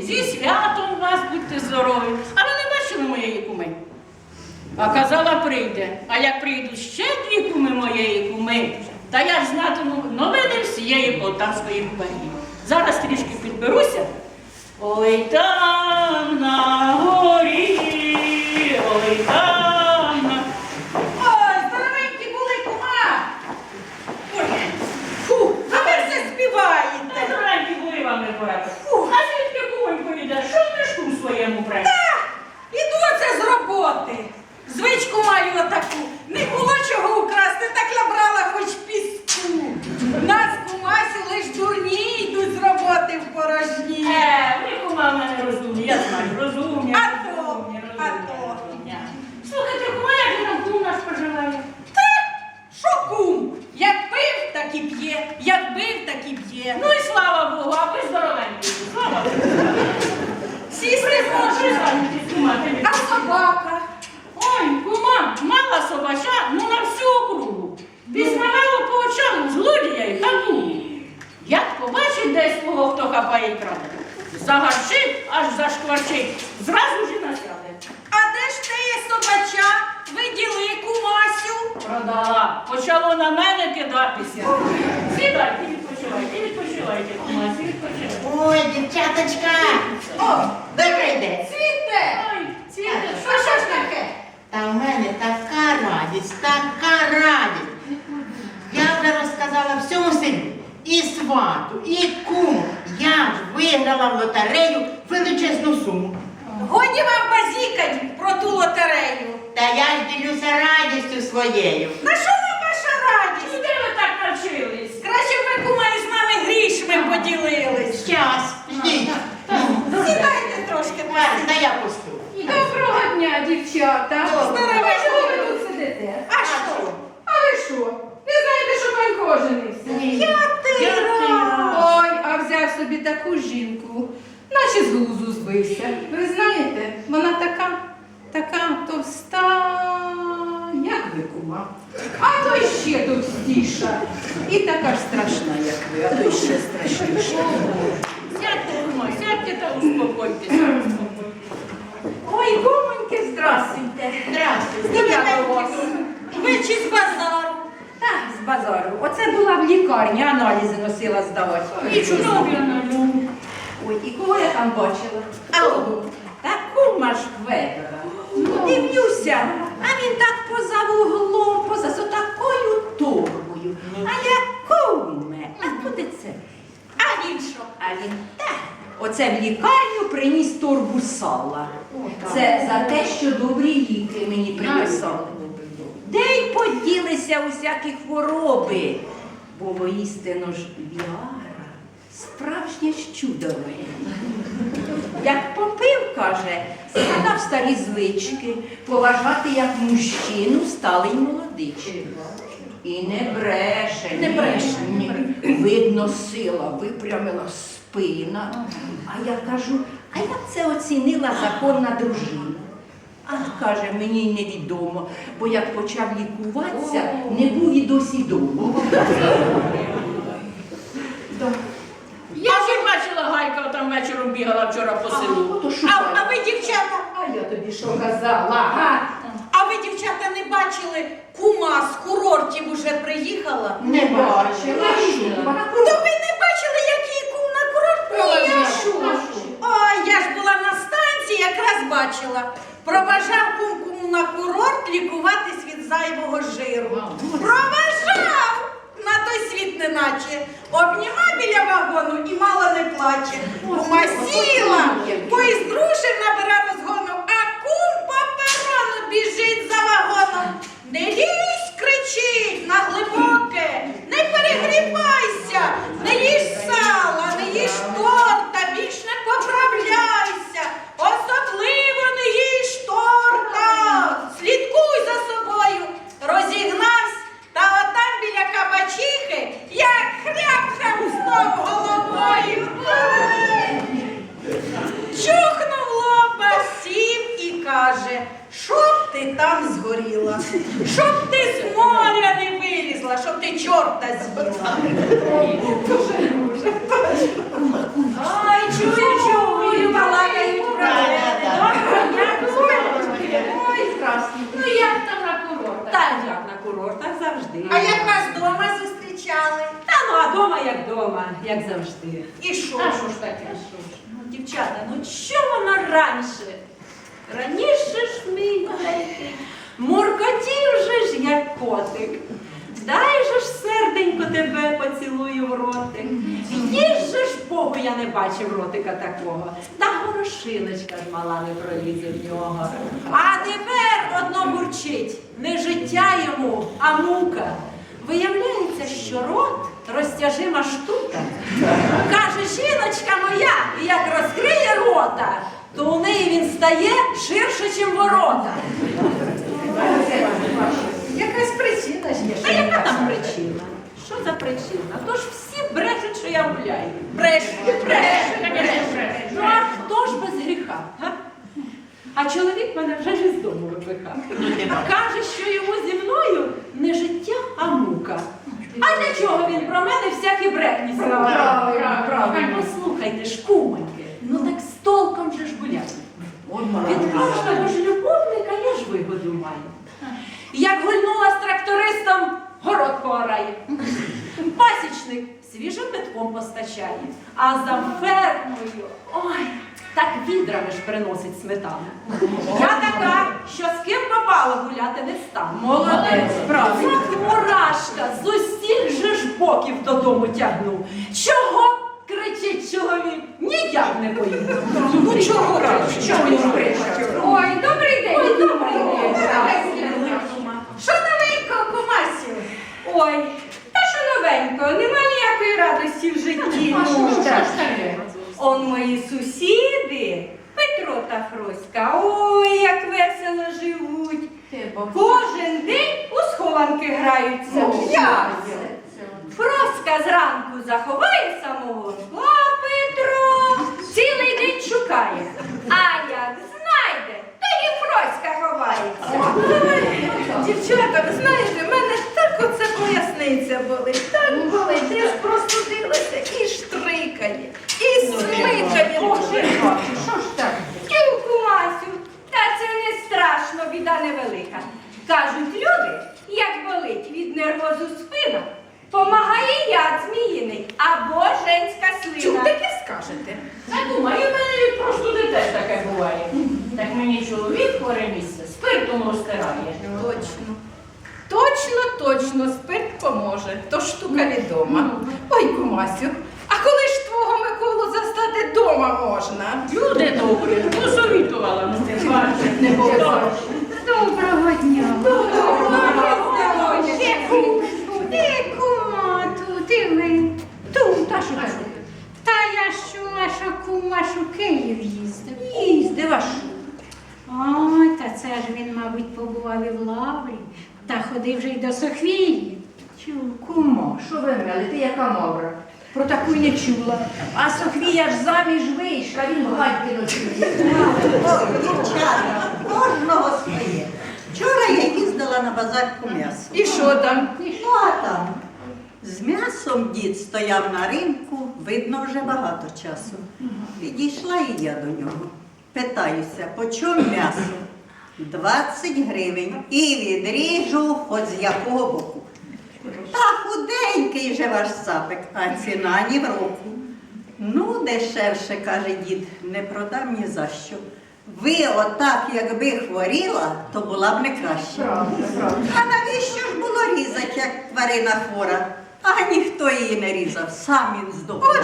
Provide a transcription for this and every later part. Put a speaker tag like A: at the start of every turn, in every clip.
A: зі святом вас, будьте здорові. А ви не бачили моєї куми? А казала, прийде. А як прийдуть ще дві куми моєї куми, та я ж знатиму новини всієї Полтавської губернії. Зараз трішки підберуся. Ой, там на горі, ой, там на...
B: Ой, здоровенькі були, кума! Ой, фу, а ви все співаєте.
A: Здоровенькі були вам не порядок. А звідки кумонько йде? Що в мішку своєму преш?
B: Іду оце з роботи. Звичку маю отаку. Не було чого украсти, так набрала хоч піску. Нас, кумасю, лиш дурні йдуть з роботи в порожні.
A: Ви, кума, в мене розумні, я знаю, розумні. Слухайте, кума, як же там кум наш поживає?
B: Що кум? Як пив, так і п'є. Як бив, так і п'є.
A: Ну і слава Богу, а ви здоровенькі. Слава Богу.
B: Сісти може.
A: Кума,
B: А собака?
A: Ой, кума, мала собача, ну на всю округу. Пізнавало по очам злодія й табу. Як побачить десь свого, хто хапає й краде, загарчить, аж зашкварчить, зразу ж і насяде.
B: А де ж теє собача? Виділи, кумасю?
A: Продала. Почало на мене кидатися. Сідайте, відпочивайте, кумасі, відпочивайте.
C: Ой, дівчаточка!
B: О,
C: Добрий день!
B: цвіте!
A: Ой, цвіте,
B: Що ж таке?
C: Та в мене така радість. Я вже розказала всьому селі, і свату, і куму. Я ж виграла в лотерею величезну суму.
B: Годі вам базікать про ту лотерею.
C: Та я ж ділюся радістю своєю.
B: На що вам ваша радість?
A: де ви так навчились?
B: Краще б ви, кума, з нами грішми поділились.
C: Щас, ждіть.
B: Сідайте трошки.
C: Ладно, та я пусту.
D: Доброго дня, дівчата.
B: Здоровенько.
D: Чого ви тут сидите?
B: А що?
D: А ви що? Не знаєте, що Панько женився?
B: Я ти
D: Ой, а взяв собі таку жінку, наче з глузу збився. Ви знаєте, вона така товста, як ви, кума. А то ще товстіша. І така ж страшна, як ви, а то ще страшніша.
A: Сядьте, кума, сядьте та успокойтеся.
D: Ой, кумоньки, здрастуйте.
C: Здравствуйте.
D: Я до вас.
B: Ви чи з базару?
D: Так, з базару. Оце була в лікарні, аналізи носила здавати.
A: І чудові аналюб.
D: Ой, і кого я там бачила?
B: Ау.
D: Таку ж Федора. Дивлюся, а він так поза вуглом, поза такою торбою. А я куме, а куди це?
B: А він що?
D: А він так. Оце в лікарню приніс торбу сала. Це за те, що добрі ліки мені приписали. Де й поділися усякі хвороби, бо воістину ж Віара справжнє ж чудо моє. Як попив, каже, згадав старі звички, поважати як мужчину сталий молодичий. І не бреше,
B: Не бреше.
D: ні. Видно, сила випрямила спина. А я кажу, а як це оцінила законна дружина? А каже, мені й невідомо, бо як почав лікуватися, не був і досі дома.
A: Я вже бачила, Гайка там вечором бігала вчора по селу.
B: А ви, дівчата,
D: А я тобі що казала, га?
B: а ви, дівчата, не бачили, кума з курортів уже приїхала?
D: Не бачила.
B: То ви не бачили, який кум на курорт приїхав? Ой, я ж була на станції, якраз бачила. Проважав кум на курорт лікуватись від зайвого жиру. Проважав! На той світ неначе. Обніма біля вагону і мало не плаче. Кума сіла, бо із дружин набира розгону, а кум по перону біжить за вагоном. Не лізь, кричить на глибоке, не перегрівайся, не їж сала, не їж торта, більш не поправляйся, особливо не їж торта. Слідкуй за собою, розігнався, та отам біля кабачихи, як хряп-хряп знов головою. Чухнув лоба, сів і каже, щоб ти там згоріла, щоб ти з моря не вилізла, щоб ти чорта з'їла. Ай, чую,
D: А дома як дома, як завжди.
B: І що?
A: А що ж таке?
D: Ну, дівчата, ну що вона раніше? Раніше ж мій маленький, муркотів же ж, як котик. Дай же ж серденько тебе поцілую в ротик. Їж же ж Богу, я не бачив ротика такого. Та горошиночка ж мала не пролізе в нього. А тепер одно бурчить. Не життя йому, а мука. Виявляється, що рот розтяжима штука. Каже, жіночка моя, і як розкриє рота, то у неї він стає ширше, чим ворота.
B: Якась причина ж є.
D: Та яка там причина? Що за причина? То ж всі брешуть, що я гуляю.
B: Бреш.
D: Ну а хто ж без гріха? Га? А чоловік мене вже ж із дому випихав. Каже, що йому зі мною не життя, а мука. А для чого він про мене всякі брехні сказав?
A: Правильно.
D: Послухайте ж, кумоньки, ну так з толком же ж гуляти. Від кожного ж любовника я ж вигоду маю. Як гульнула з трактористом, город поорає. Пасічник свіжим метком постачає, а за фермою, ой, так відрами ж приносить сметану. Я така, що з ким попало гуляти не стану.
A: Молодець, правильно.
D: Як мурашка з усіх же ж боків додому тягну. Чого? Кричить чоловік, ніяк не поїду.
B: Ну чого кричить?
D: Чого він кричить?
B: Ой, добрий день.
D: Ой, добрий день.
B: Що новенького, кумасю?
E: Ой, та що новенько, нема ніякої радості в житті.
A: Що ж таке?
E: Он мої сусіди, Петро та Фроська, ой, як весело живуть. Кожен день у схованки граються.
B: Як?
E: Фроська зранку заховає самогон, а Петро цілий день шукає. А як знайде, тоді Фроська ховається.
B: Дівчата, ви знаєте, в мене так оце поясниця болить, так болить. Я ж простудилася і штрикає, і смикає.
A: Що ж так?
E: Тюку, Масю, та це не страшно, біда невелика. Кажуть люди, як болить від нервозу спина, помагає яд зміїний або женська
B: Чув,
E: слина.
B: таке скажете?
A: Та думаю, в мене від простуди теж таке буває. Так мені чоловік хворе місце спиртом розтирає.
B: Точно. Точно, спирт поможе. То штука відома. Ой, кумасю, а коли ж твого Миколу застати дома можна?
A: Люди добрі, посовітувала, ну не бачить, не було.
E: Доброго дня.
F: Де кума тут і ви?
E: Тут, а що таке?
F: Та я ж чула, що кум ваш у Київ їздив.
E: Їздив, а що?
F: Ой, та це ж він, мабуть, побував і в Лаврі, та ходив вже й до Софії.
D: Кумо, що ви мели? Ти яка мавра? Про таку й не чула. А Софія ж заміж вийшла, він гадьки ночує.
G: Ой, дівчата, кожного своє. Вчора я їздила на базар по м'ясу.
B: І що там?
G: Ну а там з м'ясом дід стояв на ринку, видно, вже багато часу. Підійшла і я до нього. Питаюся, по чому м'ясо? 20 гривень. І відріжу хоч з якого боку. Та худенький же ваш цапик, а ціна ні в року. Ну, дешевше, каже дід, не продам ні за що. Ви отак, якби хворіла, то була б не краще. А навіщо ж було різати, як тварина хвора? А ніхто її не різав, сам він здох.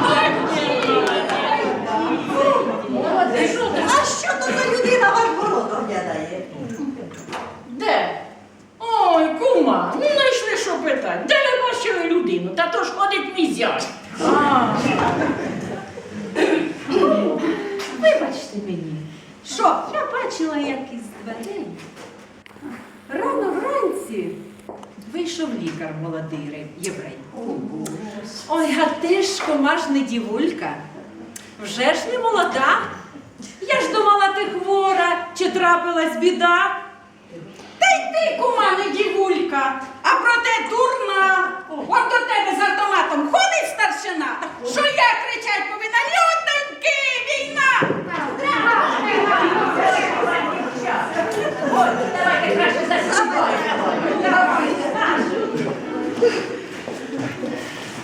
G: А що то за людина ваш город оглядає?
A: Де? Ой, кума, ну знайшли, що питати. Де ви бачили людину? Та то ж ходить мій зять.
D: Вибачте мені.
B: Що?
D: Я бачила, як із дверей. Рано вранці вийшов лікар молодий єврей. Ой, а ти ж кома ж не дівулька. Вже ж не молода. Я ж думала, ти хвора, чи трапилась біда.
B: Та й ти, кума, не дівулька, а проте дурна. От до тебе з автоматом ходить старшина, що я кричать повинна: людоньки, війна!
D: Ой, давайте краще засідайте.